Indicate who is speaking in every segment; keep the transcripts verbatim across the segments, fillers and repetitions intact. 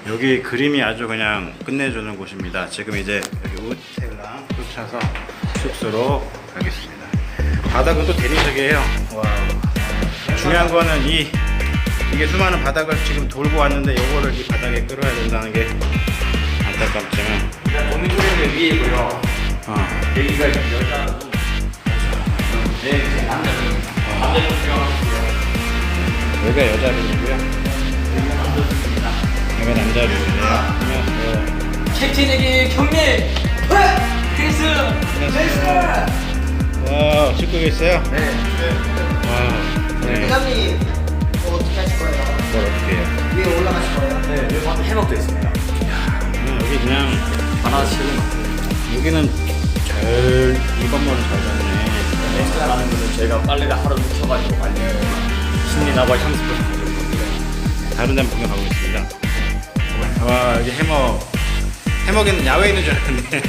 Speaker 1: 여기 그림이 아주 그냥 끝내주는 곳입니다. 지금 이제 여기 호텔랑 쫓아서 숙소로 가겠습니다. 바닥은 또 대리석이에요. 와. 중요한 거는 이 이게 수많은 바닥을 지금 돌고 왔는데 이거를 이 바닥에 끌어야 된다는 게 안타깝지만.
Speaker 2: 일단 모니터링은 위에고요.
Speaker 1: 어.
Speaker 2: 여기가 지금 여자 룸. 네, 이제 남자 룸. 남자 룸 들어가고요.
Speaker 1: 여기가 여자 룸이고요.
Speaker 2: 여기가 남자 룸입니다.
Speaker 1: 여기가 남자 룸이에요. 그러면
Speaker 2: 캡틴에게 경례! 크리스! 크리스!
Speaker 1: 와, 씻고 계세요?
Speaker 2: 네.
Speaker 1: 와. 네.
Speaker 3: 회장님 뭐 어떻게 하실 거예요?
Speaker 1: 뭘 어떻게 해요?
Speaker 3: 위에 올라가실 거예요?
Speaker 2: 네, 여기 방금 해먹도 있습니다.
Speaker 1: 음, 여기 그냥
Speaker 2: 하나 치고
Speaker 1: 여기는 잘, 이 건물은 잘 잡네.
Speaker 2: 엑스트라 라는 거는 저희가 빨래를 하루 묵혀가지고 빨래 신리나바 향수를 가지고
Speaker 1: 다른 데 한번 구경 가보겠습니다. 와, 여기 해먹. 해먹에는 야외에 있는 줄 알았는데.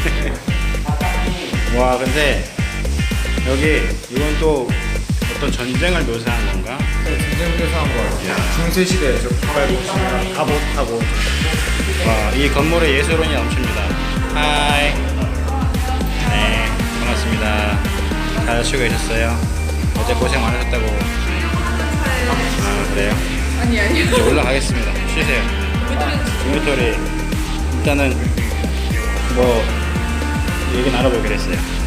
Speaker 1: 와, 근데 여기 이건 또 어떤 전쟁을 묘사한 건가?
Speaker 4: 전쟁 묘사한 거 같아요. 중세 시대 저 가발복숭이랑 갑옷하고.
Speaker 1: 와, 이 건물에 예술혼이 넘칩니다. 하이. 네, 반갑습니다. 잘 쉬고 계셨어요? 어제 고생 많으셨다고. 아, 그래요?
Speaker 5: 아니 아니요.
Speaker 1: 이제 올라가겠습니다. 쉬세요. 인벤토리 일단은 뭐 얘기 나눠보기로 했어요.